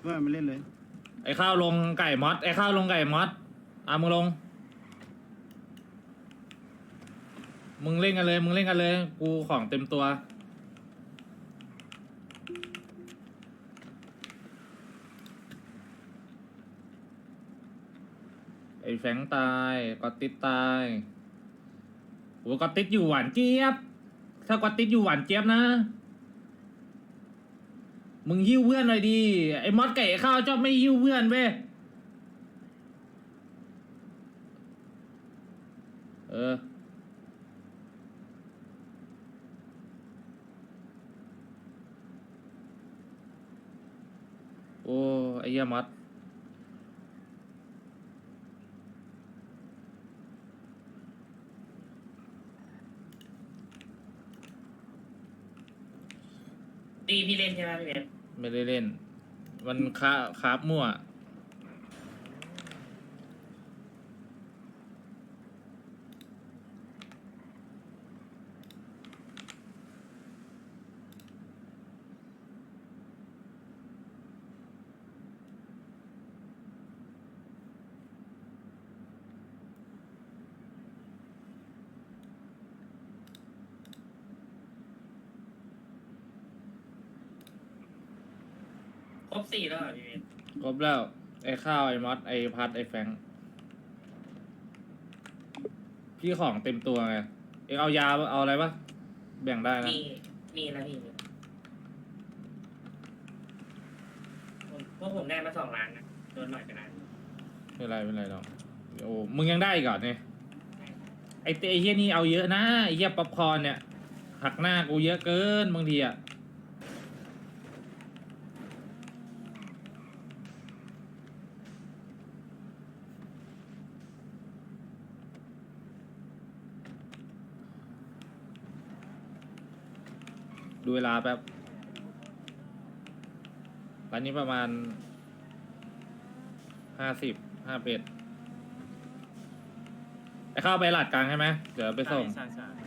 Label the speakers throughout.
Speaker 1: ว่าไม่เล่นเลย
Speaker 2: ไอ้ข้าวลงไก่มอสไอ้ข้าวลงไก่มอสมึงลงมึงเล่นกันเลยมึงเล่นกันเลยกูของเต็มตัวไอ้แฟงตายกอตติดตายโอ้กอตติดอยู่หวานเจี๊ยบถ้ากอตติดอยู่หวานเจี๊ยบนะมึงหิ้วเพื่อนหน่อยดิไอ้มอสไก่ข้าวชอบไม่หิ้วเพื่อนเว้ยโอ้ไอ้เหี้ยมอส
Speaker 3: ตีพี่เล่นใช่ไหมพี่เบส
Speaker 2: ไม่ได้เล่นมันคาบมั่ว
Speaker 3: ครบ4แล้วเหรอพี่เบส
Speaker 2: ครบแล้วไอ้ข้าวไอ้มอสไอ้พัดไอ้แฟงพี่ของเต็มตัวไงเอ็งเอายาเอาอะไรปะแบ่งได้นะ
Speaker 3: มีแล้วพี่พวกผมได้มา2 ล้านนะโดนหน่อยไปนะ
Speaker 2: ไม่เป็นไรหรอกโอ้มึงยังได้อีกเหรอเนี่ยไอ้เฮียนี่เอาเยอะนะไอ้เฮียป๊อปคอร์นเนี่ยหักหน้ากูเยอะเกินบางทีอะดูเวลาแป๊บตอนนี้ประมาณ51ไอ้เข้าไปหลัดกลางใช่ไหมเดี๋ยวไปส่ง
Speaker 4: ใช่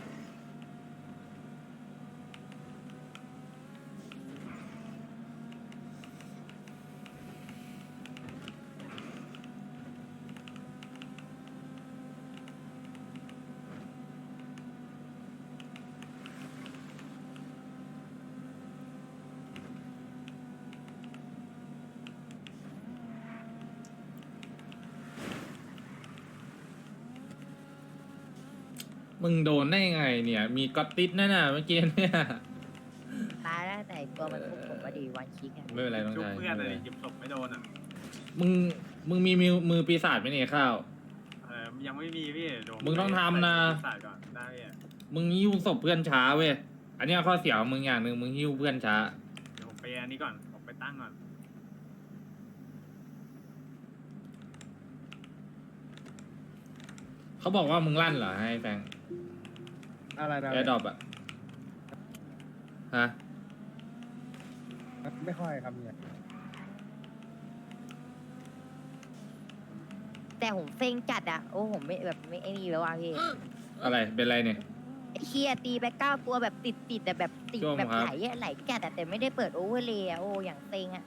Speaker 2: มึงโดนได้ไงเนี่ยมีก๊อตติดนั่นน่ะเมื่อกี้เนี่ย
Speaker 5: ตายแล้วแต่ตัวมันคุกผมมาดีวันคิกอะ
Speaker 2: ไม่เป็นไรน้อง
Speaker 4: ชุบ
Speaker 2: ชาย
Speaker 4: เพื่อนเลยหยิบศพไม่โดนอ่ะ
Speaker 2: มึงมีมือปีศาจไหมเนี่ยข้าว
Speaker 4: ยังไม่มีพี่โดน
Speaker 2: มึงต้องทำนะ
Speaker 4: ใส่ก่อนได้พี่
Speaker 2: มึงหิ้วศพเพื่อนช้าเว้ยอันเนี้ยข้อเสียของมึงอย่างหนึ่งมึงหิ้วเพื่อนช้า
Speaker 4: เดี๋ยวผมไปอันนี้ก่อนผมไปตั้งก่อน
Speaker 2: เขาบอกว่ามึงลั่นเหรอให้แฟง
Speaker 1: อะไรนะ
Speaker 2: แอร์ดรอปอะฮะ
Speaker 1: ไม่ค่อยครับเนี่ย
Speaker 5: แต่ผมเซ็งจัดอะโอ้ผมไม่แบบไม่ไอ้นี่แล้วว่ะพี่
Speaker 2: อะไรเป็นไรเนี่ย
Speaker 5: ไอ้เคียตีไป9 ตัวแบบติดแต่แบบติด
Speaker 2: ช่วง
Speaker 5: แบบ
Speaker 2: ครับ
Speaker 5: ไหลจัดอะแต่ไม่ได้เปิดโอเวอร์เลยอะโอ้อย่างเซ็งอะ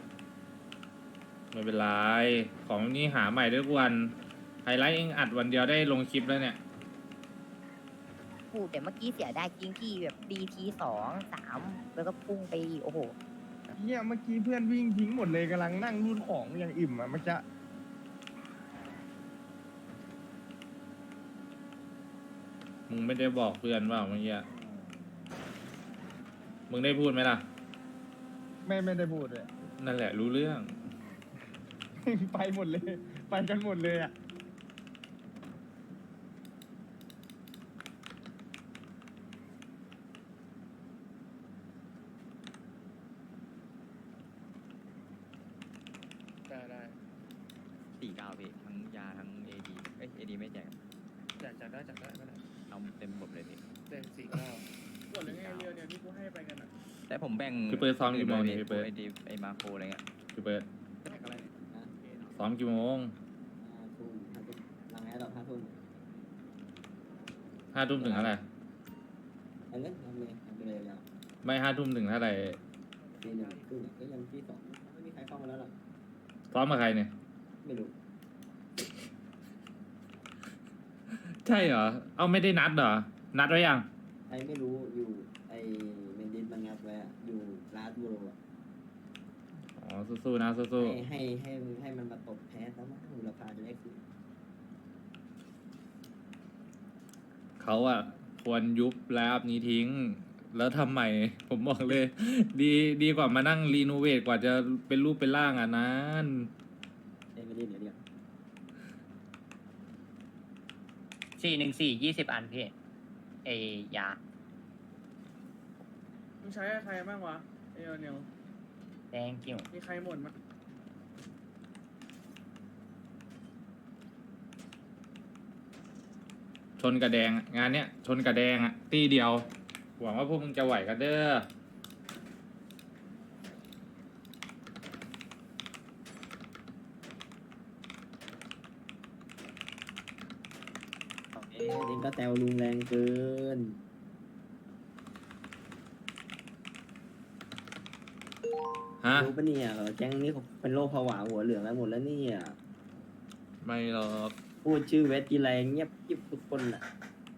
Speaker 2: ไม่เป็นไรของนี้หาใหม่ได้ทุกวันไฮไลท์เองอัดวันเดียวได้ลงคลิปแล้วเนี่ย
Speaker 5: พูดแต่เมื่อกี้เสียได้จริงที่แบบดีที2 3แล้วก็พุ่งไปอีกโอ้โห
Speaker 1: เนี่ยเมื่อกี้เพื่อนวิ่งทิ้งหมดเลยกำลังนั่งรูดของอย่างอิ่มอ่ะมันจะ
Speaker 2: มึงไม่ได้บอกเพื่อนว่าเมื่อกี้มึงได้พูดไหมล่ะ
Speaker 1: ไม่ได้พูดเลย
Speaker 2: นั่นแหละรู้เรื่อง
Speaker 1: ไปหมดเลย ไปกันหมดเลยอ่ะได้
Speaker 6: 49พี่ทั้งยาทั้งเอดีเอดีไม่แจก
Speaker 1: จัดได้ก็ได้
Speaker 6: เอาเต็มระบบเลยพี่
Speaker 1: เต็ม49
Speaker 6: กดเลยไงเรือเนี่ยที่กูให้ไปกันอ่ะแต่ผมแบ่ง
Speaker 2: พี่เปิดซ้อมกี่โมงเนี่ย
Speaker 6: ไ
Speaker 2: พี่เปิด
Speaker 6: อดีไอมาโครอะไรเงี้ย
Speaker 2: พี่เบิร์ดซ้อมกี่โมง
Speaker 7: ทุ่มหลังแอร์ดรอป5 ทุ่ม
Speaker 2: 5 ทุ่มถึงเท่าไหร่
Speaker 7: อันนี้ทำเลยยาว
Speaker 2: ไม่5 ทุ่มถึงเท่าไหร่
Speaker 7: ตี 1 ครึ่งก็ยังที่ 2ไม่มีใครเข้ามาแล้วหรอก
Speaker 2: ซ้อมกับใครเนี่ย
Speaker 7: ไม่รู้
Speaker 2: ใช่เหรอ เอาไม่ได้นัดเหรอ นัดไว้ยัง
Speaker 7: ไอ้ไม่รู้อยู่ไอ้เมนดิสมันงัดไว้อะอยู่ลาสโบโรอะ
Speaker 2: อ๋อ สู้ๆนะสู้
Speaker 7: ให้มันมาตบแพ้แล้วมั้งมูลค่าจะได้คืน
Speaker 2: ๆเขาอะควรยุบแล้วนี้ทิ้ง แล้วทำใหม่ ผมบอกเลย ดีกว่ามานั่งรีโนเวทกว่าจะเป็นรูปเป็นร่างอ่ะนั้น
Speaker 7: ไอ้ไม่ได้เดี๋ยว
Speaker 5: 414 20 อันพี่ไอยา
Speaker 8: มึงใช้ใครบ้างวะเอเนล
Speaker 5: แดงกิ้ว
Speaker 8: มีใครหมดมั้ย
Speaker 2: ชนกระแดงอะงานเนี้ยชนกระแดงอะตีเดียว หวังว่าพวกมึงจะไหวกันเด้อ
Speaker 7: เอ็งก็แซวลุงแรงเกิน
Speaker 2: ฮะ
Speaker 7: รู้ปะเนี่ยแก๊งนี้เขาเป็นโรคผวาหัวเหลืองกันหมดแล้วเนี่ย
Speaker 2: ไม่หรอก
Speaker 7: พูดชื่อเวทกีไรเงียบยิบทุกคนอ่ะ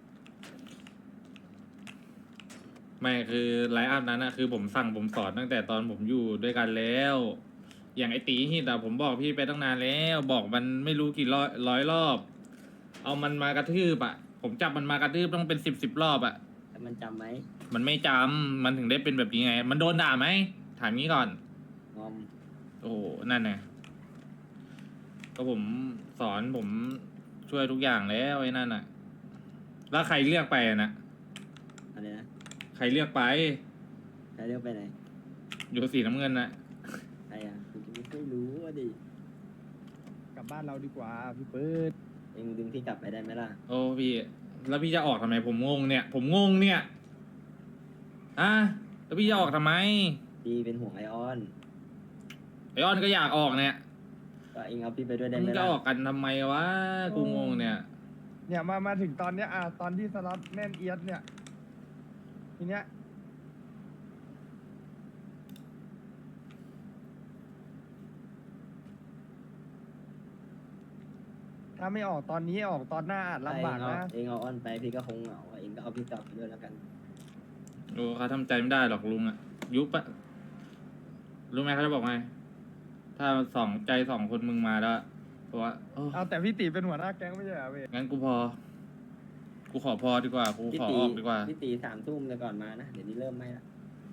Speaker 2: ไม่คือไลฟ์อัพนั้นนะคือผมสั่งผมสอนตั้งแต่ตอนผมอยู่ด้วยกันแล้ว อย่างไอตีฮิตอะผมบอกพี่ไปตั้งนานแล้ว บอกมันไม่รู้กี่ร้อยรอบ เอามันมากระทืบอะผมจับมันมากระทืบต้องเป็นสิบรอบอะ
Speaker 7: แต่มันจำไหม
Speaker 2: มันไม่จำมันถึงได้เป็นแบบนี้ไง มันโดนด่าไหมถามงี้ก่อน
Speaker 7: งอม
Speaker 2: โอ้โหนั่นไงก็ผมสอนผมช่วยทุกอย่างแล้วไอ้นั่นอะแล้วใครเลือกไปอะนะ
Speaker 7: อะไรนะ
Speaker 2: ใครเลือกไป
Speaker 7: ใครเรียกไปไหน
Speaker 2: อยู่สีน้ำเงินนะ
Speaker 7: ใครอ่ะกูจะไม่ค่อยรู้อ่ะดิ
Speaker 1: กลับบ้านเราดีกว่าพี่เปิด
Speaker 7: เอ็งดึงพี่กลับไปได้ไหมล่ะ
Speaker 2: โอ้พี่ แล้วพี่จะออกทำไมผมงงเนี่ย ผมงงเนี่ยอ่ะแล้วพี่จะออกทำไม
Speaker 7: พี่เป็นห่วงไอออน
Speaker 2: ไอออนก็อยากออกเนี่ย
Speaker 7: ก็เอ็งเอาพี่ไปด้วยได้ไห
Speaker 2: มึ
Speaker 7: ม
Speaker 2: งจะ
Speaker 7: ล่ะ
Speaker 2: ออกกันทำไมวะกูงงเนี่ย
Speaker 1: เนี่ยมาถึงตอนเนี้ยตอนที่สล็อตแน่นเอียดเนี่ยทีเนี้ยถ้าไม่ออกตอนนี้ออกตอนหน้าอาจลำบากนะ
Speaker 7: เอ็งเอาออนไปพี่ก็คงเหงาอ่ะเอ็งก็เอาพี่กลับไปด้วยแล้วกัน
Speaker 2: โอ้เขาทำใจไม่ได้หรอกลุงอะยุบอะรู้ไหมเขาจะบอกไง ถ้าใจสองคนมึงมาแล้วเพราะว่าโอ้
Speaker 1: เอาแต่พี่ตีเป็นหัวหน้าแก๊งไม่ใช่เหรอเว้ย
Speaker 2: งั้นกูพอ กูขอพอดีกว่า กูขอออกดีกว่า
Speaker 7: พี่ตี3 ทุ่มเลยก่อนมานะเดี๋ยวนี้เริ่มไม่ละ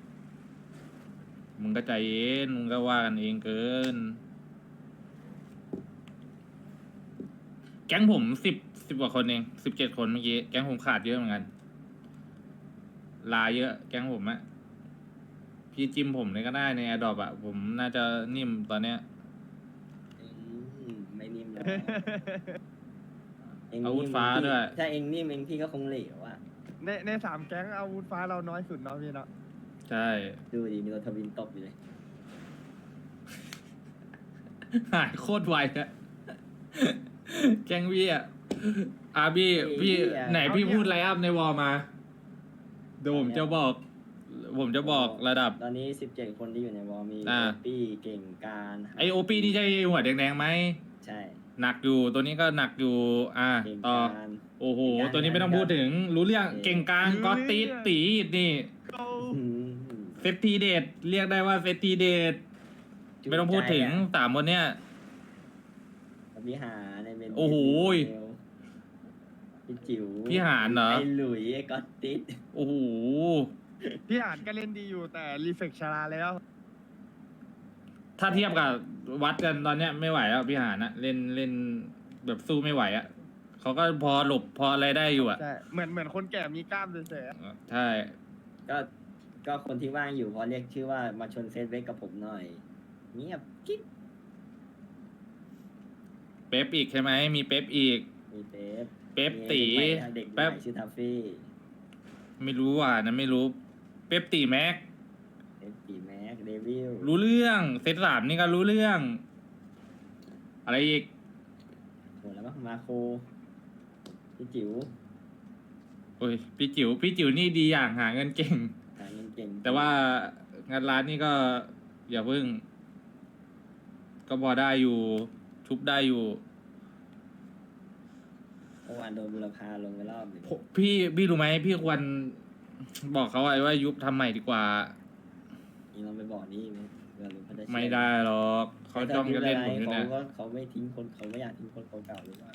Speaker 2: มึงก็ใจเย็น มึงก็ว่ากันเองเกิน แก๊งผมสิบกว่าคนเอง17 คนเมื่อกี้ แก๊งผมขาดเยอะเหมือนกัน ลาเยอะ แก๊งผมอะพี่จิ้มผมเลยก็ได้ในแอร์ดรอปอะผมน่าจะนิ่มตอนเนี้ย
Speaker 7: ไม่นิ่มหรอกเอ็ง
Speaker 2: อาวุธฟ้าด้วย
Speaker 7: ถ้าเอ็งนิ่มเอ็งพี่ก็คงเหลวอ่ะ
Speaker 1: ในสามแก๊งอาวุธฟ้าเราน้อยสุดเนาะพี่เนาะ
Speaker 2: ใช่
Speaker 7: ดูดิมีรถทวินตบอยู่เลย
Speaker 2: หายโคตรไวอะแก๊งพี่อะพี่ไหนพี่พูดไลน์อัพในวอลมาเดี๋ยวผมจะบอกระดับ
Speaker 7: ตอนนี้17 คนที่อยู่ในวอลมี
Speaker 2: อ่า
Speaker 7: ปี้เก่งการ
Speaker 2: ไอโอปีนี่ใช่หัวแดงๆไหม
Speaker 7: ใช่
Speaker 2: หนักอยู่ตัวนี้ก็หนักอยู่
Speaker 7: เก่ง
Speaker 2: ต่อ
Speaker 7: การ
Speaker 2: โอ้โห
Speaker 7: เก่งการ
Speaker 2: ตัวนี้ไม่ต้องพูดถึง รู้เรื่อง
Speaker 7: เก่ง
Speaker 2: เก่งกลางก็ตีดตีดนี่
Speaker 7: อืม
Speaker 2: เซตทีเดทเรียกได้ว่าเซตทีเดทไม่ต้องพูดถึง3 คนเนี้ย
Speaker 7: พี่หาในเมน
Speaker 2: โอ้โห
Speaker 7: พี่จิ๋ว
Speaker 2: พี่หารเหรอ
Speaker 7: ไอหลุยไอก๊อตติส
Speaker 2: โอ้โห
Speaker 1: พี่อ่านก็เล่นดีอยู่แต่รีเฟกชาราแล้ว
Speaker 2: ถ้าเทียบกับวัดกันตอนเนี้ยไม่ไหวแล้วพี่หานอะเล่นแบบสู้ไม่ไหวอะเขาก็พอหลบพออะไรได้อยู่อะ
Speaker 1: ใช่เหมือนคนแก่มีกล้ามเฉยๆอะ
Speaker 2: ใช่
Speaker 7: ก็คนที่ว่างอยู่พอเรียกชื่อว่ามาชนเซตเวกกับผมหน่อย เงียบกิ๊บ
Speaker 2: เป๊ปอีกใช่ไหมมีเป๊ปอีก
Speaker 7: มีเป๊ป
Speaker 2: เป๊ปตี
Speaker 7: มีเด็กใหม่
Speaker 2: แป๊บ
Speaker 7: ชื่อทัฟฟี่
Speaker 2: ไม่รู้อ่ะนะไม่รู้ เป๊ปตีแม็ก
Speaker 7: เป๊ปตีแม็กเดวิล
Speaker 2: รู้เรื่องเซต3นี่ก็รู้เรื่อง อะไรอีก
Speaker 7: หมดแล้วมั้งมาโคพี่จิ๋ว
Speaker 2: โอ้ยพี่จิ๋วนี่ดีอย่างหาเงินเก่ง
Speaker 7: หาเงินเก่ง
Speaker 2: แต่ว่างานร้านนี่ก็อย่าเพิ่งก็พอได้อยู่ ชุบได้อยู่
Speaker 7: เมื่อวานโดนบุรพาลงไปรอบหนึ่ง
Speaker 2: พี่รู้ไหมพี่ควรบอกเขาไว้ว่ายุบทำใหม่ดีกว่า
Speaker 7: นี่เราไปบอกนี่ไหมเผื่อลุงเขาจะเชื่อ
Speaker 2: ไม่ได้หรอกเขาจ้องจะเล่นผมอยู่
Speaker 7: เขา
Speaker 2: นะ
Speaker 7: ก็เขาไม่ทิ้งคนเขาไม่อยากทิ้งคนเก่าๆหรือเปล่า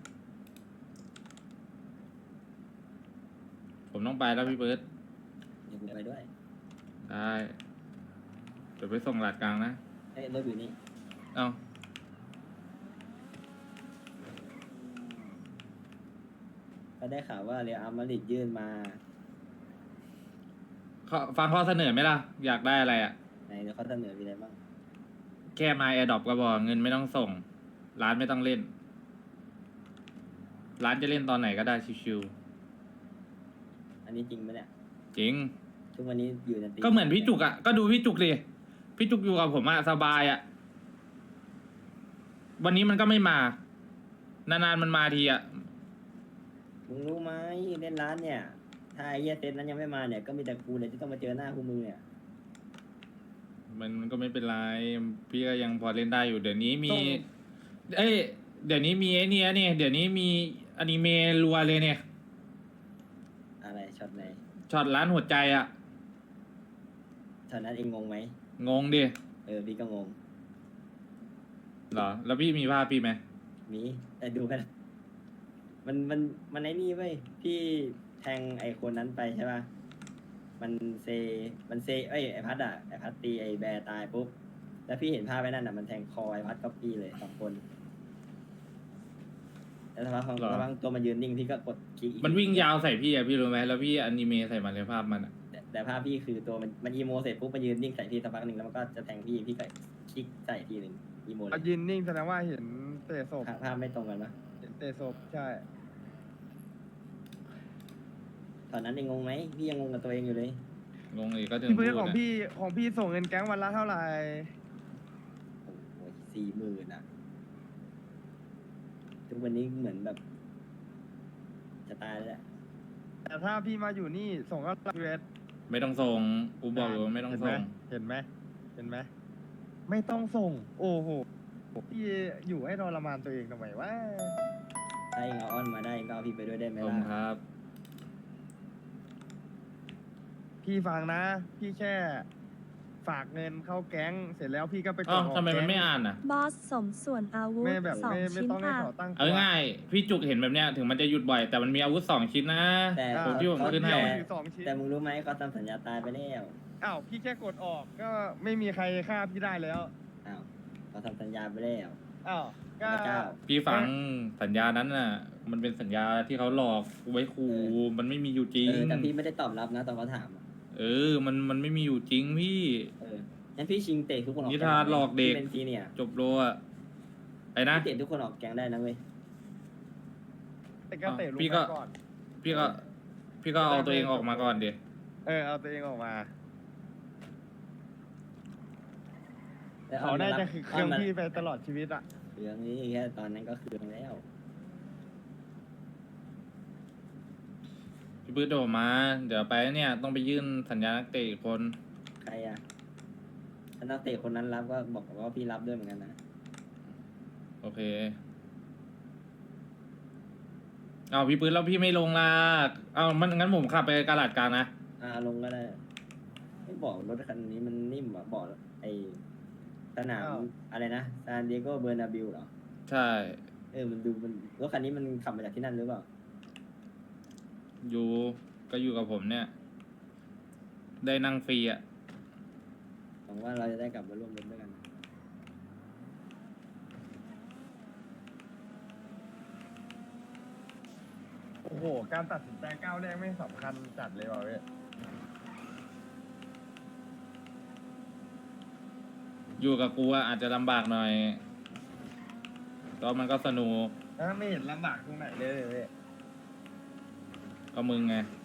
Speaker 2: ผมต้องไปแล้วพี่เบิร์ต
Speaker 7: เดี๋ยวกูไปด้วย
Speaker 2: ได้เดี๋ยวไปส่งหลัดกลางนะ
Speaker 7: เอ้ยรถอยู่นี่
Speaker 2: เอา
Speaker 7: ก็ได้ข่าวว่าเรอัลมาดริดยื่นมา
Speaker 2: ฟังข้อเสนอไหมล่ะ อยากได้อะไรอ่ะ
Speaker 7: ไหนเดี๋ยวเขาเสนอมีอะไรบ้าง
Speaker 2: แค่มาแอร์ดรอปก็บอกเงินไม่ต้องส่ง ร้านไม่ต้องเล่น ร้านจะเล่นตอนไหนก็ได้ชิว
Speaker 7: อันนี้จริงไหมเนี่ย
Speaker 2: ๆจริง
Speaker 7: ทุกวันนี้อยู่ในตี
Speaker 2: ก็เหมือนพี่จุกอ่ะ ก็ดูพี่จุกดิ พี่จุกอยู่กับผมอ่ะสบายอ่ะ วันนี้มันก็ไม่มา นานๆมันมาทีอ่ะ
Speaker 7: มึงรู้ไหมเล่นร้านเนี่ย ถ้าไอ้เหี้ยเซตนั้นยังไม่มาเนี่ยก็มีแต่กูเนี่ยที่ต้องมาเจอหน้าพวกมึงเนี่ย
Speaker 2: มันก็ไม่เป็นไร พี่ก็ยังพอเล่นได้อยู่ เดี๋ยวนี้มี
Speaker 7: ต้อง
Speaker 2: เอ้ย เดี๋ยวนี้มีไอ้เนี่ยเนี่ย เดี๋ยวนี้มีอนิเมะรัวเลยเนี่ย
Speaker 7: อะไรช็อตไหน
Speaker 2: ช็อตร้านหัวใจอ่ะ
Speaker 7: ช็อตนั้นเองงงไหม
Speaker 2: งงดิ
Speaker 7: พี่ก็งง
Speaker 2: เหรอ แล้วพี่มีภาพพี่ไหม
Speaker 7: มีแต่ดูกันมันไอ้นี่เว้ยพี่แทงไอ้คนนั้นไปใช่ป่ะมันเซไอ้พัดไอ้พัดตีไอ้แบร์ตายปุ๊บแล้วพี่เห็นภาพไว้นั่นมันแทงคอไอ้พัดก๊อปปี้เลย2 คนแล้วสักพักตัวมันยืนนิ่งพี่ก็กดคลิกอีก
Speaker 2: มันวิ่งยาวใส่พี่อะพี่รู้ไหมแล้วพี่อนิเมะใส่มันเลยภาพมันอะ
Speaker 7: แต่ภาพพี่คือตัวมันอีโมเสร็จปุ๊บมันยืนนิ่งใส่พี่สักพักหนึ่งแล้วมันก็จะแทงพี่ก็คลิกใส่ทีหนึ่งอีโมเล
Speaker 1: เอา
Speaker 7: ย
Speaker 1: ยืนนิ่งแสดงว่าเห็นเตะศพ
Speaker 7: ภาพไม่ตรงกันปะ
Speaker 1: เห็นเตะศพใช่
Speaker 7: ตอนนั้นเองงงไหมพี่ยังงงกับตัวเองอยู่เลย
Speaker 2: งงอีกก็ถึง
Speaker 1: พี่
Speaker 2: พู
Speaker 1: เพื่
Speaker 2: ด
Speaker 1: อนของ
Speaker 2: อะ
Speaker 1: พี่ส่งเงินแก๊งวันละเท่าไหร่
Speaker 7: โอ้ย40,000อ่ะทุกวันนี้เหมือนแบบ จะตายแล้วแหละ
Speaker 1: แต่ถ้าพี่มาอยู่นี่ส่งก็รับเวท
Speaker 2: ไม่ต้องส่งกูบอกอยู่ว่าไม่ต้องส่ง
Speaker 1: เห็นไหมไม่ต้องส่ง โอ้โหพี่อยู่ให้ทรมานตัวเองทำไมวะ
Speaker 7: ถ้าเองเอาอ้อนมาได้เองก็เอาพี่ไปด้วยได้ไหม
Speaker 2: ผม
Speaker 7: ล่ะ
Speaker 2: ครับ
Speaker 1: พี่ฟังนะ พี่แค่ฝากเงินเข้าแก๊งเสร็จแล้วพี่ก็ไปก
Speaker 2: อ้า
Speaker 1: ด
Speaker 2: ว
Speaker 1: ออก
Speaker 2: ทำไมมัน
Speaker 1: แก๊ง
Speaker 2: ไม่อ่านอ่ะ
Speaker 9: บอสสมส่วนอาวุธ
Speaker 1: ไม่แบบ
Speaker 9: สอง
Speaker 1: ไม่
Speaker 9: ชิ้น
Speaker 1: ต้องให้
Speaker 9: ค่ะ
Speaker 1: ขอตั้งตัว
Speaker 2: เอาง่ายๆพี่จุกเห็นแบบเนี้ยถึงมันจะหยุดบ่อยแต่มันมีอาวุธ2 ชิ้นนะ
Speaker 7: แต่
Speaker 1: อ่า
Speaker 2: ผมที่ผมขึ้นให้
Speaker 1: เดียวอยู่สองชิ้น
Speaker 7: แต่มึงรู้ไหมเขาทำสัญญาตายไปแล้ว
Speaker 1: อ้าวพี่แค่กดออกก็ไม่มีใครฆ่าพี่ได้แล้ว
Speaker 7: อ้าวเขาทำสัญญาไปแล้ว
Speaker 1: อ้าวก็
Speaker 7: พระเจ้า
Speaker 2: พี่ฟังสัญญานั้นน่ะ มันเป็นสัญญาที่เขาหลอกไว้ขู่มันไม่มีอยู่จริง
Speaker 7: แต่พี่ไม่ได้ตอบรับนะตอนเขาถามอะ
Speaker 2: มันไม่มีอยู่จริงพี่
Speaker 7: งั้นพี่ชิงเตะทุกคนออก
Speaker 2: นิทานหลอกเด็ก
Speaker 7: พี่เป็นซีเนี่ย
Speaker 2: จบโลอะไปนะ
Speaker 7: พี่เตะทุกคนออกแกงได้นะเว้ย
Speaker 1: แต่ก็เตะลง
Speaker 2: พี่
Speaker 1: ไป
Speaker 2: ก็
Speaker 1: ก่อน
Speaker 2: พี่ก็เอาตัวเองออกมาก่อนดิ
Speaker 1: เอาตัวเองออกมา
Speaker 7: แล้ว
Speaker 1: เขาน่าจะคือเครื่อง
Speaker 7: มัน
Speaker 1: พี่ไปตลอดชีวิตอ่ะ
Speaker 7: เครื่องนี้แค่ตอนนั้นก็เครื่องแล้ว
Speaker 2: พี่ปื้ดโดดมา เดี๋ยวไปเนี่ยต้องไปยื่นสัญญานักเตะอีกคน
Speaker 7: ใครอะถ้านักเตะคนนั้นรับก็บอกว่าพี่รับด้วยเหมือนกันนะ
Speaker 2: โอเค เอาพี่ปื้ดแล้วพี่ไม่ลงล่ะเอามันงั้นผมขับไปกาลาดกลางนะ
Speaker 7: ลงก็ได้ไม่บอกรถคันนี้มันนิ่มอ่ะบอกไอสนาม
Speaker 1: อ้าว
Speaker 7: อะไรนะซานดิเอโกเบอร์นาบิลเหรอ
Speaker 2: ใช่
Speaker 7: มันดูมันรถคันนี้มันขับมาจากที่นั่นหรือเปล่า
Speaker 2: อยู่ก็อยู่กับผมเนี่ย ได้นั่งฟรีอ่ะ
Speaker 7: หวังว่าเราจะได้กลับมาร่วมรถด้วยกัน
Speaker 1: โอ้โห การตัดสินใจก้าวแรกไม่สำคัญจัดเลยว่ะเว้ย
Speaker 2: อยู่กับกูอะอาจจะลำบากหน่อยแต่ว่ามันก็สนุก
Speaker 1: ไม่เห็นลำบากตรงไหนเลยเว้ย
Speaker 2: ก็มึงไง